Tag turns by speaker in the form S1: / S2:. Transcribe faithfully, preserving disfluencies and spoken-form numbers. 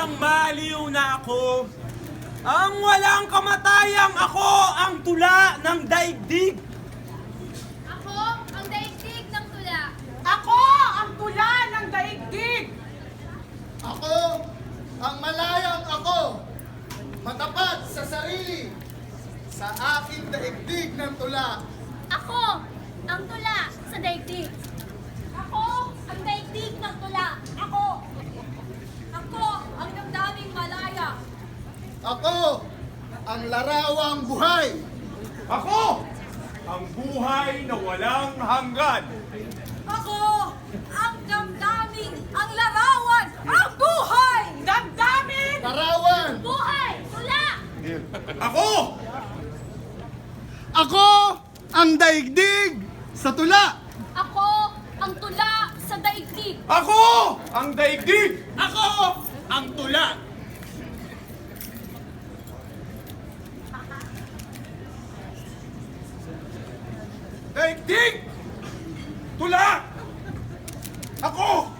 S1: Walang maliw na ako. Ang walang kamatayang ako ang tula ng daigdig.
S2: Ako ang daigdig ng tula.
S3: Ako ang tula ng daigdig.
S4: Ako ang malayang ako, matapat sa sarili, sa aking daigdig ng tula.
S2: Ako ang tula sa daigdig. Ako ang daigdig ng tula. Ako. Ako ang damdaming malaya.
S4: Ako ang larawang buhay.
S1: Ako ang buhay na walang hanggan.
S2: Ako ang damdaming ang larawan. Ang buhay!
S3: Damdamin!
S4: Larawan.
S2: Buhay! Tula!
S1: Ako
S4: Ako ang daigdig sa tula.
S2: Ako ang tula sa daigdig.
S1: Ako ang daigdig.
S5: Ako ang tula.
S1: Daigdig. Tula. Ako